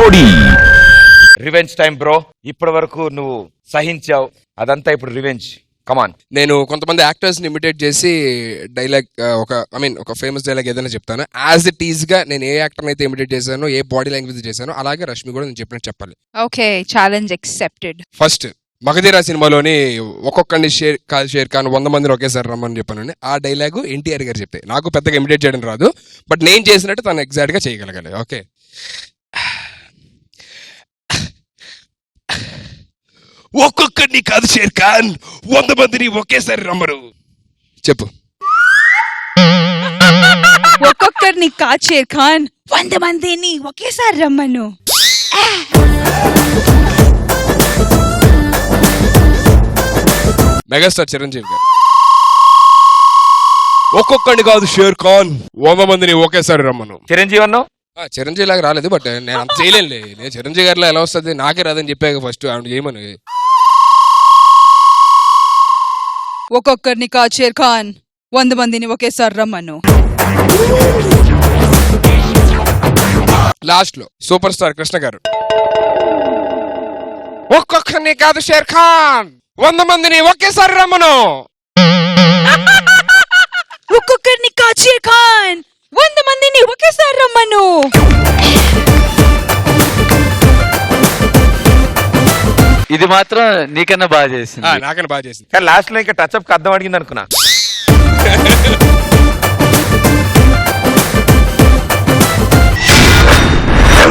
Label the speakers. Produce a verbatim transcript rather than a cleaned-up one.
Speaker 1: జోడీ.
Speaker 2: Revenge time bro. ఇప్పటి వరకు నువ్వు సహించావు, అదంతా ఇప్పుడు రివెంజ్. కమాన్.
Speaker 3: నేను కొంతమంది యాక్టర్స్ ని ఇమిటేట్ చేసి డైలాగ్ ఒక ఐ మీన్ ఒక ఫేమస్ డైలాగ్ ఏదైనా చెప్తాను. యాజ్ ఇట్ ఈజ్ గా నేను ఏ యాక్టర్ అయితే ఇమిటేట్ చేశానో, ఏ బాడీ లాంగ్వేజ్ చేశానో, అలాగే రష్మి కూడా నేను చెప్పినట్టు చెప్పాలి.
Speaker 4: Okay, challenge accepted.
Speaker 3: First Magadheera సినిమాలోని ఒక్కొక్కడిని షేర్ కాల్ షేర్ ఖాన్ వంద మందిని ఒకేసారి రమ్మని చెప్పాను. ఆ డైలాగు ఎన్టీఆర్ గారు చెప్పే. నాకు పెద్దగా ఇమిటేట్ చేయడం రాదు, బట్ నేను చేసినట్టు తను ఎగ్జాక్ట్ గా చేయగలగాలి. ఓకే, ఒక్కొక్కడిని కాదు షేర్ ఖాన్, వంద మందిని ఒకేసారి రమ్మరు. చెప్పు.
Speaker 4: ఒక్కొక్కరిని కాదు షేర్ ఖాన్, వంద మందిని ఒకేసారి రమ్మను.
Speaker 3: మెగాస్టార్ చిరంజీవి గారు ఒక్కొక్కడిని కాదు షేర్ ఖాన్, వంద మందిని ఒకేసారి రమ్మను.
Speaker 2: చిరంజీవి అన్నావు.
Speaker 3: చిరంజీవి లాగా రాలేదు, బట్ నేను అంత చేయలేనులే. నేను చిరంజీవి గారిలో ఎలా వస్తుంది, నాకే రాదని చెప్పాక ఫస్ట్ ఆవిడ చేయమని.
Speaker 4: ఒక్కొక్కరిని కాదు షేర్ ఖాన్, వంద మందిని ఒకేసారి రమ్మను.
Speaker 3: లాస్ట్ లో సూపర్ స్టార్ కృష్ణ గారు ఒక్కొక్కరిని కాదు షేర్ ఖాన్, వంద మందిని ఒకేసారి రమ్మను.
Speaker 4: ఒక్కొక్కరిని కాదు షేర్ ఖాన్, వంద మందిని ఒకేసారి రమ్మను.
Speaker 5: ఇది మాత్రం నీకన్నా బాగా చేసింది.
Speaker 3: నాకన్నా బాగా చేసింది.
Speaker 2: కానీ లాస్ట్ లో ఇంకా టచ్అప్ కి అర్థం అడిగింది అనుకున్నా.